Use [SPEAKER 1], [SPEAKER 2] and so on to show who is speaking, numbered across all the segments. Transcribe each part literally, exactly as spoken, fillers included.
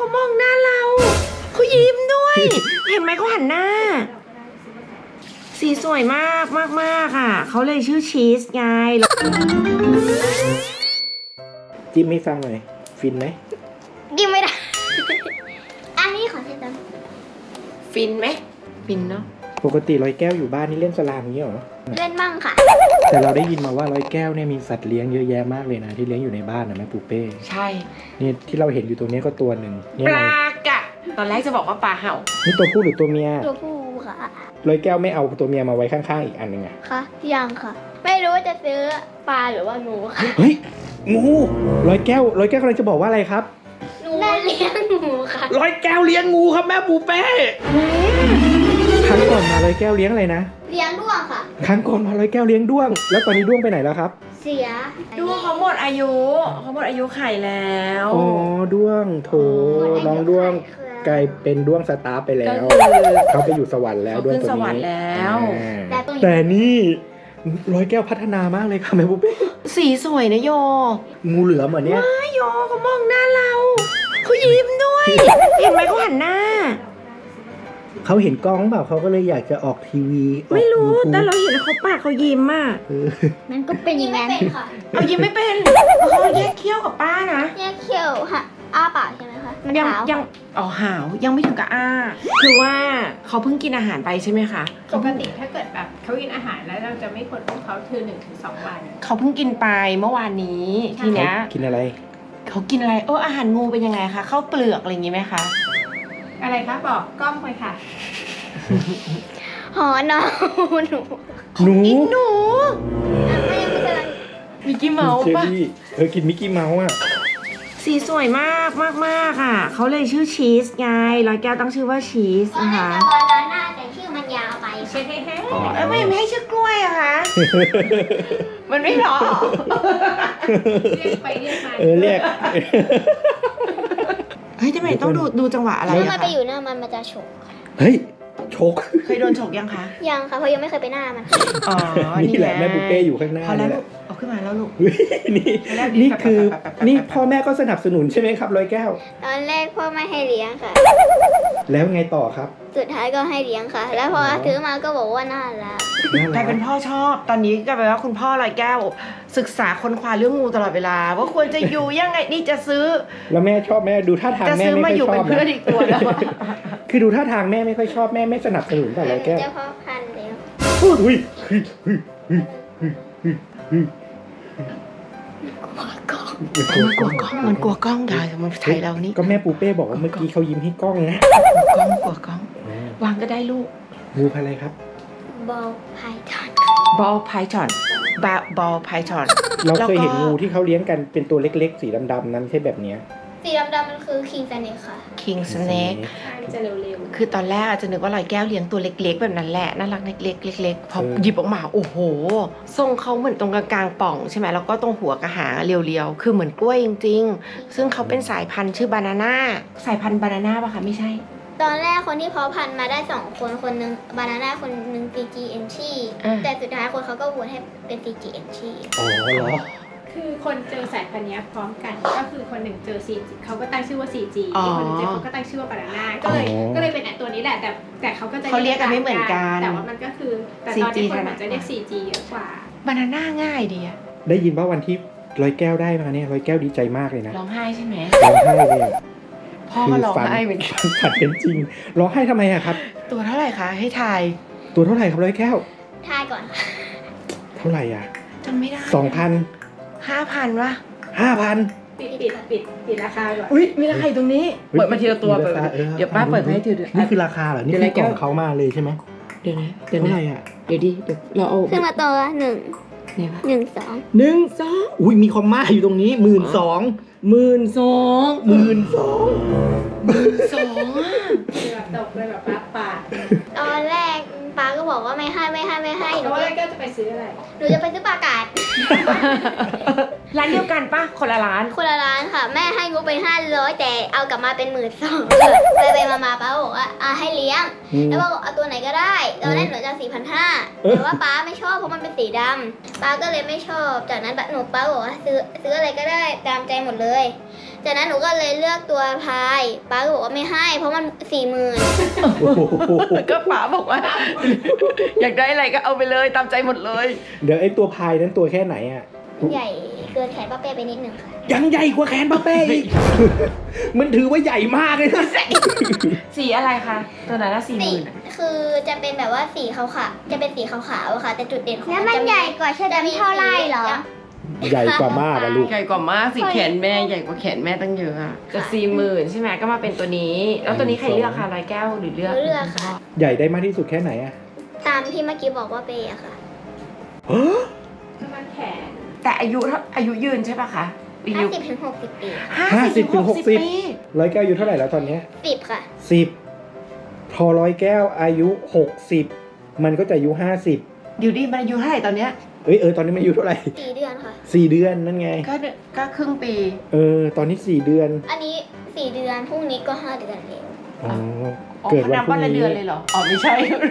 [SPEAKER 1] เขามองหน้าเราเขายิ้มด้วย เห็นไหมเขาหันหน้าสีสวยมากมากมากอ่ะเขาเลยชื่อชีสไง
[SPEAKER 2] จิ้มให้ฟังหน่อยฟินไหม
[SPEAKER 3] จิ้มไม่ได้ อันนี้ขอเทตัน
[SPEAKER 1] ฟินไหมฟินเนาะ
[SPEAKER 2] ปกติร้อยแก้วอยู่บ้านนี่เล่นสลามอย่างนี้เหรอ
[SPEAKER 3] เล่นบ้างค่ะ
[SPEAKER 2] แต่เราได้ยินมาว่าร้อยแก้วเนี่ยมีสัตว์เลี้ยงเยอะแยะมากเลยนะที่เลี้ยงอยู่ในบ้านนะแม่ปูเป้
[SPEAKER 1] ใช่
[SPEAKER 2] นี่ที่เราเห็นอยู่ตรงนี้ก็ตัวหนึ่ง
[SPEAKER 1] ปลากะตอนแรกจะบอกว่าปลาเห่า
[SPEAKER 2] นี่ตัวผู้หรือตัวเมีย
[SPEAKER 3] ตัวผู้ค่ะ
[SPEAKER 2] ร้อยแก้วไม่เอาตัวเมียมาไว้ข้างๆอีกอันหนึ่งอะ
[SPEAKER 3] ค่ะยังค่ะไม่รู้ว่าจะซื้อปลาหรือว่างูค่ะ
[SPEAKER 2] เฮ้ยงูร้อยแก้วร้อยแก้วกำลังจะบอกว่าอะไรครับ
[SPEAKER 3] หนูเลี้ยงงูค่ะ
[SPEAKER 2] ร้อยแก้วเลี้ยงงูครับแม่ปูเป้ครั้งก่อนมาร้อยแก้วเลี้ยงอะไรนะ
[SPEAKER 3] เลี้ยงด้วงค่ะ
[SPEAKER 2] ครั้งก่อนมาร้อยแก้วเลี้ยงด้วงแล้วตอนนี้ด้วงไปไหนแล้วครับ
[SPEAKER 3] เสีย
[SPEAKER 1] ด้วงเขาหมดอายุเขาหมดอายุไข่แล้ว
[SPEAKER 2] อ๋อด้วงโถน้องด้วงกลายเป็นด้วงสตาร์ไปแล้วเขาไปอยู่สวรรค์แล้วด้วงตัวนี้
[SPEAKER 1] แล้ว
[SPEAKER 2] แต่นี่ร้อยแก้วพัฒนามากเลยค่ะแม่ปุ๊บ
[SPEAKER 1] สีสวยนะโย
[SPEAKER 2] งูเหลือมเหมือนเนี้ย
[SPEAKER 1] ว้าโยเขามองหน้าเราเขายิ้มด้วยเห็นไหมเขาหันหน้า
[SPEAKER 2] เขาเห็นกล้องเปล่าเขาก็เลยอยากจะออกทีวี
[SPEAKER 1] ไม่รู้แต่เราเห็นเขาปากเขายิ้มอ่ะ
[SPEAKER 3] นั่นก็เป็นอย่างนั้นค่ะ
[SPEAKER 1] เอายิ้มไม่เป็นเขาแยกเขี้ยวกับป้านะ
[SPEAKER 3] แยกเขี้ยวค่ะอ้าปากใช่ไหมคะ
[SPEAKER 1] ยังยังอ๋อหาวยังไม่ถึงกับอ้าคือว่าเขาเพิ่งกินอาหารไปใช่ไหมคะ
[SPEAKER 4] ปกติถ้าเกิดแบบเขากินอาหารแล้วเราจะไม่ควรอุ้มเขาคือหนึ่งถึงสองวัน
[SPEAKER 1] เขาเพิ่งกินไปเมื่อวานนี้ทีเนี้ย
[SPEAKER 2] กินอะไร
[SPEAKER 1] เขากินอะไรเอออาหารงูเป็นยังไงคะข้าวเปลือกอะไรอย่างงี้ไหมคะ
[SPEAKER 4] อะไรคะบอกกล้องไปค่ะ
[SPEAKER 3] หอหนูหนู
[SPEAKER 2] หนู
[SPEAKER 1] หนู
[SPEAKER 3] ไม่ยังไม่กำลัง
[SPEAKER 1] มิกกี้เมาส์ป่ะ
[SPEAKER 2] เธอกินมิกกี้เมาส์อ่ะ
[SPEAKER 1] สีสวยมากมากมากอ่ะเขาเลยชื่อชีสไงร้อยแก้วตั้งชื่อว่าชีสนะคะ
[SPEAKER 3] บานาน่าแต่ชื่อมันยาวไป
[SPEAKER 4] ใช่ไหมฮะ
[SPEAKER 1] แล้วไม่ไม่ให้ชื่อกล้วยอะคะมันไม่หรอ
[SPEAKER 4] เรียกไปเรียกมา
[SPEAKER 2] เออเรียก
[SPEAKER 1] เฮ้ยทำไมต้องดูดูจังหวะอะไร
[SPEAKER 3] ถ้ามันไปอยู่หน้ามันมันจะฉก
[SPEAKER 2] เฮ้ยฉก
[SPEAKER 1] เคยโดนฉกยังคะ
[SPEAKER 3] ยังค่ะเพราะยังไม่เคยไปหน้ามัน
[SPEAKER 1] อ๋อ
[SPEAKER 2] นี่แหละแม่บุเป้อยู่ข้างหน้า
[SPEAKER 1] พอแล้วเอาขึ้นมาแล้วลูก
[SPEAKER 2] นี่นี่คือนี่พ่อแม่ก็สนับสนุนใช่ไหมครับร้อยแก้ว
[SPEAKER 3] ตอนแรกพ่อไม่ให้เลี้ยงค่ะ
[SPEAKER 2] แล้วไงต่อครับ
[SPEAKER 3] สุดท้ายก็ให้เลี้ยงค่ะแล้วพอซื้อมาก็บอกว่าน่ารัก
[SPEAKER 1] กลายเป็นพ่อชอบตอนนี้ก็แปลว่าคุณพ่อร้อยแก้วศึกษาค้นคว้าเรื่องงูตลอดเวลาว่าควรจะอยู่ยังไงนี่จะซื้อ
[SPEAKER 2] แล้วแม่ชอบแม่ดูท่าทางแม่ไม่ค่อยชอบ
[SPEAKER 1] นะจะซื้อมาอยู่เป็นเพื่อนอีกตัวแล้ว
[SPEAKER 2] คือดูท่าทางแม่ไม่ค่อยชอบแม่ไม่สนับสนุนแต่ร้อยแก้ว
[SPEAKER 3] จะพ่อพันแล้ว
[SPEAKER 2] อุ้ย
[SPEAKER 1] กลัวกล้องมันกลัวกล้องได้มันถ่ายเรานี่
[SPEAKER 2] ก็แม่ปูเป้บอกว่าเมื่อกี้เขายิ้มให้กล้องนะ
[SPEAKER 1] กล้องกลัวกล้องวางก็ได้ลูก
[SPEAKER 2] งูพันอะไรครับ
[SPEAKER 3] บอลไพทอน
[SPEAKER 1] บอลไพทอนบาบอลไพทอน
[SPEAKER 2] เราเคยเห็นงูที่เขาเลี้ยงกันเป็นตัวเล็กๆสีดำๆนั้นใช่แบบนี้
[SPEAKER 3] สีดำๆมันคือคิงสเนคค่ะ
[SPEAKER 1] คิงสเนค
[SPEAKER 4] จะเร็ว
[SPEAKER 1] ๆคือตอนแรกอาจจะนึกว่าลอยแก้วเลี้ยงตัวเล็กๆแบบนั้นแหละน่ารักเล็กๆเล็กๆพอหยิบออกมาโอ้โหทรงเขาเหมือนตรงกลางๆป่องใช่ไหมแล้วก็ตรงหัวกระหางเรียวๆคือเหมือนกล้วยจริงๆซึ่งเขาเป็นสายพันธุ์ชื่อบานาน่าสายพันธุ์บานาน่าป่ะคะไม่ใช่
[SPEAKER 3] ตอนแรกคนที่เพาะพันธุ์มาได้สองคนคนนึงบานาน่าคนนึง ซี จี เอ็น ชีแต่สุดท้ายคนเขาก็โหวตให้เป็น ซี จี เอ็น ชี
[SPEAKER 2] อ๋อเหรอ
[SPEAKER 4] คือคนเจอสายพันธุ์นี้พร้อมกันก็คือคนหนึ่งเจอ ซี จี เขาก็ตั้งชื่อว่า ซี จี อีกคนหนึ่งเจอเขาก็ตั้งชื่อว่าบานาน่าก็เลยก็เลยเป็นตัวนี้แหละแต่แต่เขาก็จะ
[SPEAKER 1] เขาเรียกกันไม่เหมือนกัน
[SPEAKER 4] แต่ว่ามันก็คือแต่ตอนนี้คนอาจจะเรียก ซี จี เยอะกว่า
[SPEAKER 1] บานาน่าง่ายดีอะ
[SPEAKER 2] ได้ยินว่าวันที่ร้อยแก้วได้มาเนี่ยร้อยแก้วดีใจมากเลยนะ
[SPEAKER 1] ร้องไห้ใช่ไหม
[SPEAKER 2] ร้องไห้เลย
[SPEAKER 1] พ่อก็ร้องไห้เหมือนกัน
[SPEAKER 2] ฝันเป็นจริงร้องไห้ทำไมอะครับ
[SPEAKER 1] ตัวเท่าไหร่คะให้ทาย
[SPEAKER 2] ตัวเท่าไหร่ครับร้อยแก้ว
[SPEAKER 3] ทายก่อน
[SPEAKER 2] เท่าไหร่อะ
[SPEAKER 1] จำไม่ได้
[SPEAKER 2] สองพัน
[SPEAKER 1] ห้าพันวะ
[SPEAKER 2] ห้าพัน
[SPEAKER 4] ปิดปิดปิดปิดราคาก่อน
[SPEAKER 1] อุ้ยมีราคาตรงนี้เปิดมาทีละตัวเปิดเดี๋ยวป้าเปิดให้ทีเดียว
[SPEAKER 2] นี่คือราคาเหรอนี่คือกล่องเขามาเลยใช่ไหม
[SPEAKER 1] เดี๋ยวนะเดี๋ยว
[SPEAKER 2] เท่าไหร่อะ
[SPEAKER 1] เดี๋ยวดิเดี๋ยวเราเอา
[SPEAKER 3] ขึ้นมาตัวหนึ่งหนึ่งสอง
[SPEAKER 2] หนึ่งสองอุ้ยมีคอมมาอยู่ตรงนี้หมื่นสองหมื่นสองหมื่นสอง
[SPEAKER 1] หมื่นสองอ่ะ
[SPEAKER 4] แบบตกเลยแบบป้าป่า
[SPEAKER 3] ตอนแรกป้าก็บอกว่าไม่ให้ไม่ให้ไม่ให้
[SPEAKER 4] หนูก็จะไปซื้ออะไร
[SPEAKER 3] หนูจะไปซื้อปลากาด
[SPEAKER 1] ร้านเดียวกันปะคนละร้าน
[SPEAKER 3] คนละร้านค่ะแม่ให้งบไปห้าร้อยแต่เอากลับมาเป็นหมื่นสองไปไปมาๆป้าบอกว่าอ่าให้เลี้ยงแล้วบอกเอาตัวไหนก็ได้ตอนแรกหนูจะสี่พันห้าแต่ว่าป้าไม่ชอบเพราะมันเป็นสีดำป้าก็เลยไม่ชอบจากนั้นหนูป้าบอกว่าซื้อซื้ออะไรก็ได้ตามใจหมดเลยจากนั้นหนูก็เลยเลือกตัวพายป้าก็บอกว่าไม่ให้เพราะมันสี่หมื่น
[SPEAKER 1] ก็ป๋าบอกว่า อยากได้อะไรก็เอาไปเลยตามใจหมดเลย
[SPEAKER 2] เดี๋ยวไอ้ตัวพายนั้นตัวแค่ไหนอ่ะ
[SPEAKER 3] ใหญ่เกินแขนป้าเป้ไปนิดนึงค่ะ
[SPEAKER 2] ยังใหญ่กว่าแขนป้าเป้อีก มันถือว่าใหญ่มากเลยนะ
[SPEAKER 1] สีอะไรคะตัวไหนละสี่ห
[SPEAKER 3] สี
[SPEAKER 1] มื่น
[SPEAKER 3] คือจะเป็นแบบว่าสีขาวๆจะเป็นสีขาวๆอะค่ะ แต่จุดเด่นของ
[SPEAKER 5] แล้วมันใหญ่กว่าชะดำเท่าไรเหรอ
[SPEAKER 2] ใหญ่กว่ามากอะลูก
[SPEAKER 1] ใหญ่กว่ามากสีแขนแม่ใหญ่กว่าแขนแม่ตั้งเยอะอะจะสี่หมื่นใช่ไหมก็มาเป็นตัวนี้ แล้วตัวนี้ใครเลือกคะร้อยแก้วหรือเลือก
[SPEAKER 3] เลือกค่ะ
[SPEAKER 2] ใหญ่ได้มากที่สุดแค่ไหนอะ
[SPEAKER 3] ตามที่เมื่อกี้บอกว่าเป้อะค่ะ
[SPEAKER 4] ประมาณแขน
[SPEAKER 1] แต่อายุเท่าอายุยืนใช่ปะคะอา
[SPEAKER 3] ห้า
[SPEAKER 1] ยุ
[SPEAKER 3] สิบถึงหกสิบปี
[SPEAKER 2] ห้าสิบถึงหกสิบ
[SPEAKER 1] ปี
[SPEAKER 2] ร้อยแก้วอายุเท่าไหร่แล้วตอนเนี้ย
[SPEAKER 3] สิบค่ะ
[SPEAKER 2] สิบพอร้อยแก้วอายุหกสิบมันก็จะอายุห้าสิบ
[SPEAKER 1] เดี๋ยวดิมันอายุเท่าไหร่ตอนเนี้ย
[SPEAKER 2] เอ้ยเออตอนนี้มันอายุเท่าไหร่
[SPEAKER 3] สี่เดือนค่ะ
[SPEAKER 2] สี่เดือนนั่นไง
[SPEAKER 1] ก็เดือนก็ครึ่งปี
[SPEAKER 2] เออตอนนี้สี่เดือน
[SPEAKER 3] อันนี้สี่เดือนพรุ่งนี้ก็ห้าเดือนเอง
[SPEAKER 2] อ๋อ
[SPEAKER 1] อ๋อ
[SPEAKER 2] เกิด
[SPEAKER 1] เขา
[SPEAKER 2] วัน
[SPEAKER 1] นับ
[SPEAKER 2] พรุ่
[SPEAKER 1] วัน
[SPEAKER 2] ง
[SPEAKER 1] ละเดื
[SPEAKER 2] นี้
[SPEAKER 1] อนเลยเหรออ๋อไม่ใช่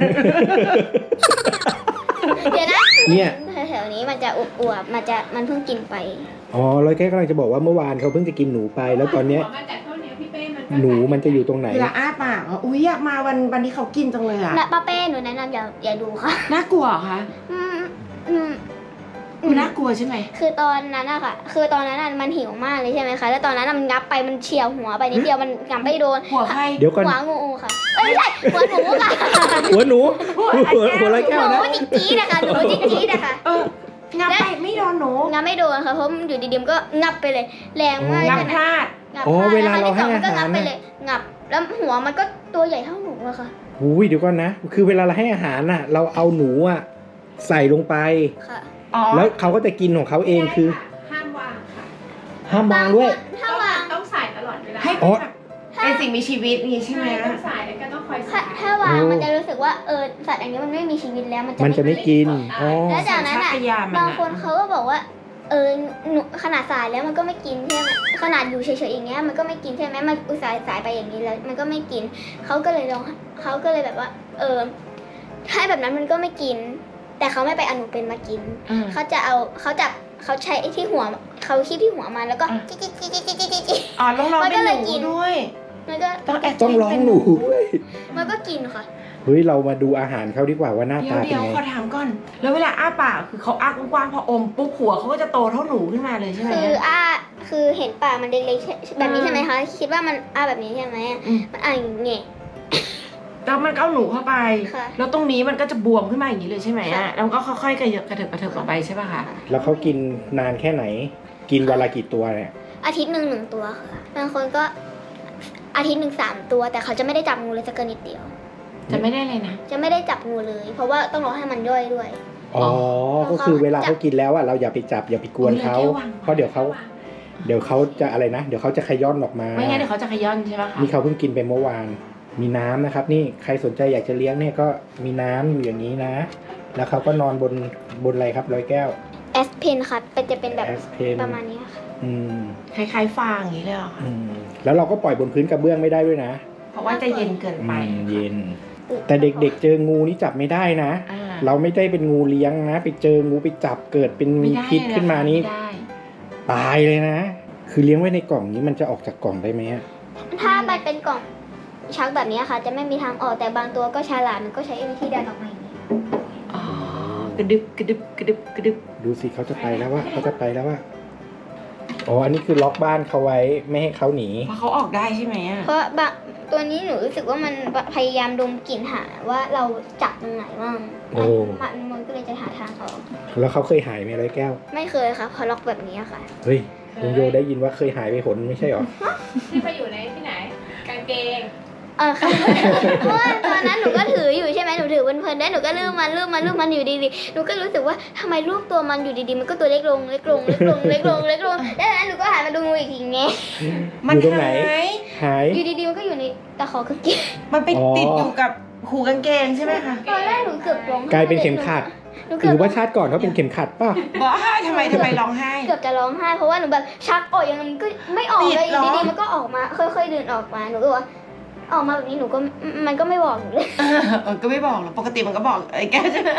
[SPEAKER 3] เดี๋ยวนะ
[SPEAKER 2] เนี่ย
[SPEAKER 3] แถวๆนี้มันจะอวบๆมันจะมันเพิ่งกินไป
[SPEAKER 2] อ๋อร้อยแก้วกำลังจะบอกว่าเมื่อวานเขาเพิ่งจะกินหนูไป แล้วตอนเนี้ย
[SPEAKER 4] หัวมันจากเท่านี้พี่เป้มันก็
[SPEAKER 2] หนูมันจะอยู่ตรงไหน
[SPEAKER 1] เวลาอ้าปากอ่ะอุ้ยอยากมาวันวันที่เขากินจังเลยอ่ะ
[SPEAKER 3] นะป้าเป้หนูแนะนำอย่าอย่าดูค่ะ
[SPEAKER 1] น่ากลัวเหรอคะ
[SPEAKER 3] อืมอืม
[SPEAKER 1] มันน่ากลัวใช่ไหม
[SPEAKER 3] คือตอนนั้นอะค่ะ คือตอนนั้นอะมันหิวมากเลยใช่ไหมคะ แล้วตอนนั้นอะมันงับไปมันเฉียวหัวไปนิดเดียวมันงับไม่โดน
[SPEAKER 1] หัวใคร
[SPEAKER 2] เดี๋ยวก่อน
[SPEAKER 3] หัวงูค่ะ เอ้ยไม่ใช่หัวหนูค่ะ
[SPEAKER 2] หัวหนูหัวหัวร้อยแก้ว
[SPEAKER 3] หนู
[SPEAKER 2] นะ
[SPEAKER 3] จิ๊กจี๊ดนะคะหนูจิ๊กจี๊ดนะคะ
[SPEAKER 1] เอองับไปไม่โดนหนู
[SPEAKER 3] งับไม่โดนค่ะเพราะมันอยู่ดีๆมันก็งับไปเลย แรงมาก
[SPEAKER 1] งับ
[SPEAKER 3] ใช่ไหม
[SPEAKER 1] พลาด
[SPEAKER 3] งับ
[SPEAKER 2] อ๋อ
[SPEAKER 3] พลด
[SPEAKER 2] เวลาเรา
[SPEAKER 3] แล้
[SPEAKER 2] ให้
[SPEAKER 3] ครั้งที่สองมันก็งับ
[SPEAKER 2] อาหาร
[SPEAKER 3] ไป
[SPEAKER 2] น่ะ
[SPEAKER 3] เลยงับ แล้วหัวมันก็ตัวใหญ่เท่าหนูอะค่ะ
[SPEAKER 2] อุ้ยเดี๋ยวก่อนนะ คือเวลาเราให้อาหารน่ะ เราเอาหนูอ่ะใส่ลงไป
[SPEAKER 3] ค่ะ
[SPEAKER 1] อ๋อ
[SPEAKER 2] แล้วเขาก็จะกินของเขาเองคือ
[SPEAKER 4] ห้ามวางค่ะ
[SPEAKER 2] ห้ามวางด้วย
[SPEAKER 3] ถ้าวาง
[SPEAKER 4] ต้องใส่ตลอดเวลา
[SPEAKER 1] ให้
[SPEAKER 2] อ๋
[SPEAKER 1] เป็น
[SPEAKER 2] อ
[SPEAKER 1] แบบเป็นสิ่งมีชีวิตนี่ใช่ไหม
[SPEAKER 4] ต้องใส่แล้วก็ต้องคอย
[SPEAKER 3] ถ้า
[SPEAKER 4] ใส่
[SPEAKER 3] ถ้าวาง
[SPEAKER 2] โอ้
[SPEAKER 3] มันจะรู้สึกว่าเออสัตว์อันนี้มันไม่มีชีวิตแล้วมันจะ
[SPEAKER 2] มันจะไม่กิน อ๋อ
[SPEAKER 3] แล้วจากนั้น
[SPEAKER 1] สัญ
[SPEAKER 3] อ่ะ
[SPEAKER 1] ชาตญาณมัน
[SPEAKER 3] บาง
[SPEAKER 1] อะ
[SPEAKER 3] คนเขาก็บอกว่า เออหนูขนาดสายแล้วมันก็ไม่กินใช่ไหมขนาดอยู่เฉยๆอย่างเงี้ยมันก็ไม่กินใช่ไหมมันอุตส่าห์สายไปอย่างนี้แล้ว มันก็ไม่กินเขาก็เลยลองเขาก็เลยแบบว่า เออให้แบบนั้นมันก็ไม่กิน แต่เขาไม่ไปเอาหนูเป็นมากิน
[SPEAKER 1] อืม
[SPEAKER 3] เขาจะเอาเขาจับเขาใช้ไอ้ที่หัวเขาคีบที่หัวมันแล้วก็
[SPEAKER 1] อ่ะ
[SPEAKER 3] จิ๊กจิ๊กจิ๊กจิ๊กจิ๊กจิ๊กจิ๊ก
[SPEAKER 1] อ๋อลองลอง
[SPEAKER 3] มัน
[SPEAKER 1] เป็
[SPEAKER 3] ก็
[SPEAKER 1] น
[SPEAKER 3] เล
[SPEAKER 1] ห
[SPEAKER 3] ย
[SPEAKER 1] นู
[SPEAKER 3] กิน
[SPEAKER 1] ด้วย
[SPEAKER 3] มันก็
[SPEAKER 1] ต้องแอบ
[SPEAKER 2] ต้องร้องหนูด้วย
[SPEAKER 3] มันก็กินค่ะ
[SPEAKER 2] เฮ้ย เรามาดูอาหารเขาดีกว่าว่าหน้า
[SPEAKER 1] เดี๋ย
[SPEAKER 2] ตาว เป็
[SPEAKER 1] เดี๋
[SPEAKER 2] น
[SPEAKER 1] ยว
[SPEAKER 2] ไง
[SPEAKER 1] ขอถามก่อน แล้วเวลาอ้าปากคือเขาอ้ากว้างๆพออมปุ๊บหัวเขาก็จะโตเท่าหนูขึ้นมาเลยใช่ไหม
[SPEAKER 3] คืออ้าคือเห็นปากมันเล็กๆใช่แบบนี้
[SPEAKER 1] อ่า
[SPEAKER 3] ใช่ไหมคะคิดว่ามันอ้าแบบนี้ใช่ไหม
[SPEAKER 1] อืม
[SPEAKER 3] มันอ่าอย่างเงี้ย
[SPEAKER 1] แล้วมันก็เอาหนูเข้าไป
[SPEAKER 3] ค่ะ
[SPEAKER 1] แล้วตรงนี้มันก็จะบวมขึ้นมาอย่างนี้เลยใช่ไหม
[SPEAKER 3] ค่ะ
[SPEAKER 1] อ่ะแล้วมันก็ค่อยๆกระเถิบกระเถิบกระเถิบออกไปใช่ป่ะคะ
[SPEAKER 2] แล้วเขากินนานแค่ไหน กินวันละกี่ตัวเนี่ย
[SPEAKER 3] อาทิตย์หนึ่งหนึ่งตัวค่ะบางคนก็อาทิตย์หนึ่งสามตัว แต่เขาจะไม่ได้จับงูเลยสักนิดเดียว
[SPEAKER 1] จะไม่ได้เลยนะ
[SPEAKER 3] จะไม่ได้จับงูเลย เพราะว่าต้องรอให้มันย่อยด้วย
[SPEAKER 2] อ๋อ ก็คือเวลาเขากินแล้วอ่ะ เราอย่าไปจับอย่าไปกวนเขา
[SPEAKER 1] เอาเลยแค่วาง
[SPEAKER 2] เพราะเดี๋ยวเขาเดี๋ยวเขาจะอะไรนะ เดี๋ยวเขาจะขย้อนออกมา
[SPEAKER 1] ไม่งั้นเดี๋ยวเขาจะขย้อนใช่ป่ะคะ
[SPEAKER 2] นี่เขาเพิ่งกินไปเมื่อวาน มีน้ำนะครับ นี่ใครสนใจอยากจะเลี้ยงเนี่ยก็มีน้ำอยู่อย่างนี้นะ แล้วเขาก็นอนบนบนอะไรครับร้อยแก้ว
[SPEAKER 3] แอสเพนค่ะเป็นจะเป็นแบบ
[SPEAKER 2] แอสเพน
[SPEAKER 3] ประมาณนี้ค่ะ
[SPEAKER 2] อืม
[SPEAKER 1] คล้ายๆฟางอย่างนี้เลยเหรอคะ
[SPEAKER 2] อืมแล้วเราก็ปล่อยบนพื้นกระเบื้องไม่ได้ด้วยนะ
[SPEAKER 1] เพราะว่าจะเย็นเกิน
[SPEAKER 2] อื
[SPEAKER 1] ไป
[SPEAKER 2] มเย็น แต่เด็กๆเจองูนี่จับไม่ได้นะ
[SPEAKER 1] อ่า
[SPEAKER 2] เราไม่ได้เป็นงูเลี้ยงนะ ไปเจองูไปจับเกิดเป็นมี
[SPEAKER 1] ไม่ได้
[SPEAKER 2] พิษขึ้นมานี่
[SPEAKER 1] ไม่ได้
[SPEAKER 2] ตายเลยนะ คือเลี้ยงไว้ในกล่องนี้มันจะออกจากกล่องได้ไหมอะ
[SPEAKER 3] ถ้ามันเป็นกล่องชักแบบนี้ค่ะ จะไม่มีทางออกแต่บางตัวก็ฉลาดมันก็ใช้วิธีเดินออกมาอย่างนี้
[SPEAKER 1] อ๋อกระดึบกระดึบกระดึบกระดึบ
[SPEAKER 2] ดูสิเขาจะไปแล้วว่าเขาจะไปแล้วว่าอ๋ออันนี้คือล็อกบ้านเขาไว้ไม่ให้เขาหนี
[SPEAKER 1] เพราะเขาออกได้ใช่ไหมอ่ะ
[SPEAKER 3] เพราะบางตัวนี้หนูรู้สึกว่ามันพยายามดมกลิ่นหาว่าเราจับตรงไหนบ้าง
[SPEAKER 2] โอ้
[SPEAKER 3] มันมันก็เลยจะหาทางเขา
[SPEAKER 2] แล้วเขาเคยหายไหมร้อยแก้ว
[SPEAKER 3] ไม่เคยค่ะเพราะล็อกแบบนี้ค่ะ
[SPEAKER 2] เฮ้ยลุงโยได้ยินว่าเคยหายไปหนไม่ใช่หรอ
[SPEAKER 4] ที่ไปอยู่ในที่ไหน กางเกง
[SPEAKER 3] เออค่ะ เพราะว่าตอนนั้นหนูก็ถืออยู่ใช่ไหมหนูถือเพลินๆได้หนูก็ลืมมันลืมมันลืมมันอยู่ดีๆหนูก็รู้สึกว่าทำไมรูปตัวมันอยู่ดีๆมันก็ตัวเล็กลงเล็กลงเล็กลงเล็กลงเล็กลงแล้วจากนั้นหนูก็หันมาดูงูอีกทีไง
[SPEAKER 2] อยู่ตรงไหน
[SPEAKER 1] หาย
[SPEAKER 2] หาย
[SPEAKER 3] อยู่ดีๆมันก็อยู่ในตะขอกางเกง
[SPEAKER 1] มันไป
[SPEAKER 2] อ๋อ
[SPEAKER 1] ติดอยู่กับหูกางเกงใช่ไหมคะ
[SPEAKER 3] ตอนแรกหนูเกือบร้องไห้
[SPEAKER 2] กลายเป็นเข็มขัด
[SPEAKER 3] หนู
[SPEAKER 2] ห
[SPEAKER 3] เกือบ
[SPEAKER 2] รือว่าชาติก่อนเขาเป็นเข็มขัดป่ะ
[SPEAKER 1] บอกว่าทำไมทำไมร้องไห้
[SPEAKER 3] เกือบจะร้องไห้เพราะว่าหนูแบบชักออกยังไงมันก็ไม่ออกเลย
[SPEAKER 1] ติดเหรอ
[SPEAKER 3] อยู่ดีๆมันก็ออกมาค่อยๆเดินออกมาหนูก็ว่าออกมาแบบนี้หนูก็มันก็ไม่บอกหนูเลย
[SPEAKER 1] เออเออก็ไม่บอกหรอกปกติมันก็บอกไอ้แกใช่ไหม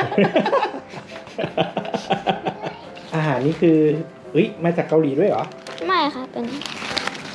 [SPEAKER 2] อาหารนี่คือเอ้ยมาจากเกาหลีด้วยเหรอ
[SPEAKER 3] ไม่ค่ะเป็น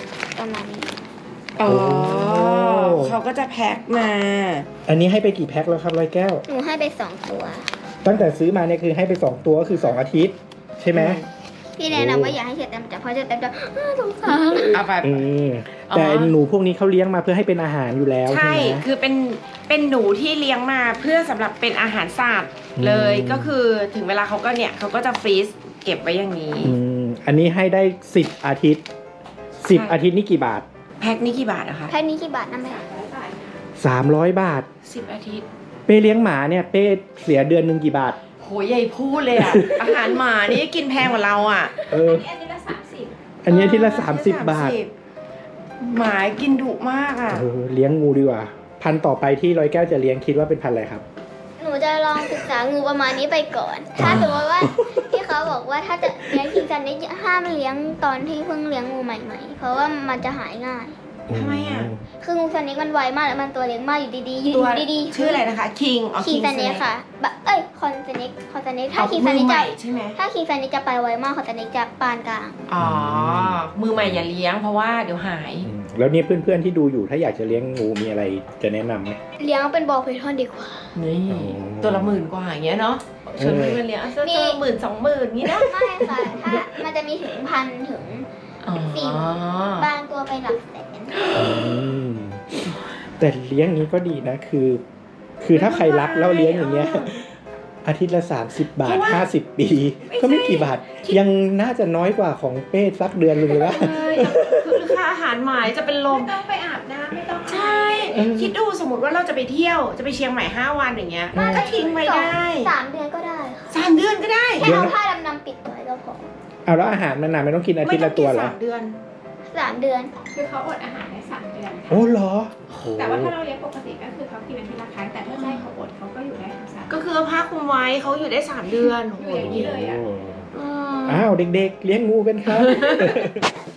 [SPEAKER 3] ประมาณนี้
[SPEAKER 1] อ๋อเขาก็จะแพ็คมา
[SPEAKER 2] อันนี้ให้ไปกี่แพ็คแล้วครับร้อยแก้ว
[SPEAKER 3] หนูให้ไปสองตัว
[SPEAKER 2] ตั้งแต่ซื้อมาเนี่ยคือให้ไปสองตัวก็คือสองอาทิตย์ใช่ไหม
[SPEAKER 3] พี่แนะนำว่าอย่าให้เชอร์แตมจับเพราะเชอร์แตมจะอ้าวสงสาร
[SPEAKER 1] เอาไป
[SPEAKER 2] อืมแต่หนูพวกนี้เขาเลี้ยงมาเพื่อให้เป็นอาหารอยู่แล้วใช่
[SPEAKER 1] ใช่
[SPEAKER 2] ไหม
[SPEAKER 1] คือเป็นเป็นหนูที่เลี้ยงมาเพื่อสำหรับเป็นอาหารสัตว์เลย
[SPEAKER 2] อืม
[SPEAKER 1] ก็คือถึงเวลาเขาก็เนี่ยเขาก็จะฟรีซเก็บไว้อย่างนี้
[SPEAKER 2] อืมอันนี้ให้ได้สิบอาทิตย์สิบ
[SPEAKER 1] ใช่
[SPEAKER 2] อาทิตย์นี่กี่บาท
[SPEAKER 1] แพ็คนี้กี่บาทอะคะ
[SPEAKER 3] แค่นี้กี่บาทนะแม่
[SPEAKER 2] สามร้อยบาท
[SPEAKER 1] สิบอาทิตย์
[SPEAKER 2] เป้เลี้ยงหมาเนี่ยเป้เสียเดือนหนึ่งกี่บาท
[SPEAKER 1] โหใหญ่พูดเลยอะ อาหารหมานี่กินแพงกว่าเราอะ
[SPEAKER 2] เออ
[SPEAKER 4] อันนี้ละสามสิบ
[SPEAKER 2] อันนี้อาที่ละสามสิบบาท
[SPEAKER 1] หมากินดุมากอะ
[SPEAKER 2] เออเลี้ยงงูดีกว่า พันธุ์ต่อไปที่ร้อยแก้วจะเลี้ยงคิดว่าเป็นพันธุ์อะไรครับ
[SPEAKER 3] หนูจะลองศึกษางูประมาณนี้ไปก่อน ถ้าสมมติว่าที่เขาบอกว่าถ้าจะเลี้ยงคิงซันนี่ห้ามเลี้ยงตอนที่เพิ่งเลี้ยงงูใหม่ๆ เพราะว่ามันจะหายง่าย
[SPEAKER 1] ทำไมอะ
[SPEAKER 3] คืองูซันนี่มันไวมากแล้วมันตัวเล็กมากอยู่ดีๆอยู่
[SPEAKER 1] ตัว
[SPEAKER 3] ดีๆ
[SPEAKER 1] ชื่ออะไรนะคะคิงอ๋อ
[SPEAKER 3] คิง
[SPEAKER 1] King
[SPEAKER 3] ซันนี่
[SPEAKER 1] Snake
[SPEAKER 3] ค่ะบะเอ้ยคอนซันนี่คอนซันนี่ถ้า
[SPEAKER 1] เอา
[SPEAKER 3] คิง
[SPEAKER 1] มื
[SPEAKER 3] ซัน
[SPEAKER 1] อ
[SPEAKER 3] นี่
[SPEAKER 1] ให
[SPEAKER 3] จะ
[SPEAKER 1] ม่ใช่ไหม
[SPEAKER 3] ถ้าคิงซันนี่จะไปไวมากคอนซันนี่จะปานกลาง
[SPEAKER 1] อ๋อ มือใหม่อย่าเลี้ยงเพราะว่าเดี๋ยวหาย
[SPEAKER 2] อืมแล้วเนี่ยเพื่อนๆที่ดูอยู่ถ้าอยากจะเลี้ยงงูมีอะไรจะแนะนำไหม
[SPEAKER 3] เลี้ยงเป็นบอลเพทอนดีกว่า
[SPEAKER 1] นี่
[SPEAKER 2] อ๋อ
[SPEAKER 1] ตัวละหมื่นกว่าอย่างเงี้ยเนาะชวนเพื่อนๆเลี้ยงอ่ะตัว
[SPEAKER 3] มี
[SPEAKER 1] ละหมื่นสองหมื่นงี้นะ
[SPEAKER 3] ไม่ค่ะ ถ้ามันจะมีถึงพันถึง
[SPEAKER 1] อ๋อ
[SPEAKER 3] บางตัวไปหลักแสน
[SPEAKER 2] อืมแต่เลี้ยงนี้ก็ดีนะคือ คือถ้าใครรักแล้วเลี้ยงอย่างเงี้ย อาทิตย์ละสามสิบบาทห้าสิบปี ก็ไม่กี่บาท ยังน่าจะน้อยกว่าของเป้สักเดือนเลยว่า
[SPEAKER 1] ใช่คือค่าอาหารหมายจะเป็นล
[SPEAKER 4] ไม่
[SPEAKER 1] ม
[SPEAKER 4] ต้องไปอาบน้ำไม่ต้อง
[SPEAKER 1] ใช่ คิดดูสมมติว่าเราจะไปเที่ยวจะไปเชียงใหม่ห้าวันอย่างเงี้ย
[SPEAKER 2] อืม
[SPEAKER 1] ก็ทิ้งไว้ได้
[SPEAKER 3] สามเดือนก็ได้ค่ะ
[SPEAKER 1] สามเดือนก็ได้
[SPEAKER 3] แค่เอาผ้าดำน้ำปิดไว้ก็พอ
[SPEAKER 2] เอาแล้วอาหารมันนานไม่ต้องกินอาทิตย์ละตัวเหรอ
[SPEAKER 1] สามเดือน
[SPEAKER 3] สามเดือน
[SPEAKER 4] คือเขาอดอาหารได้สามเดือนค่ะ
[SPEAKER 2] โอ้เหรอโห
[SPEAKER 4] แต่ว่าถ้าเราเลี้ยงปกติก็คือเขากินอาทิตย์ละครั้งแต่ถ้าจะให้เขาอดเขาก็อยู่ได้ทั้งสาม
[SPEAKER 1] ก็คือเอาผ้าคลุมไว้เขาอยู่ได้สามเดือนโอ้โห
[SPEAKER 4] อยู่อย่างนี้เลยอะ
[SPEAKER 1] อืม
[SPEAKER 2] อ้าวเด็กๆ เลี้ยงงูกันครับ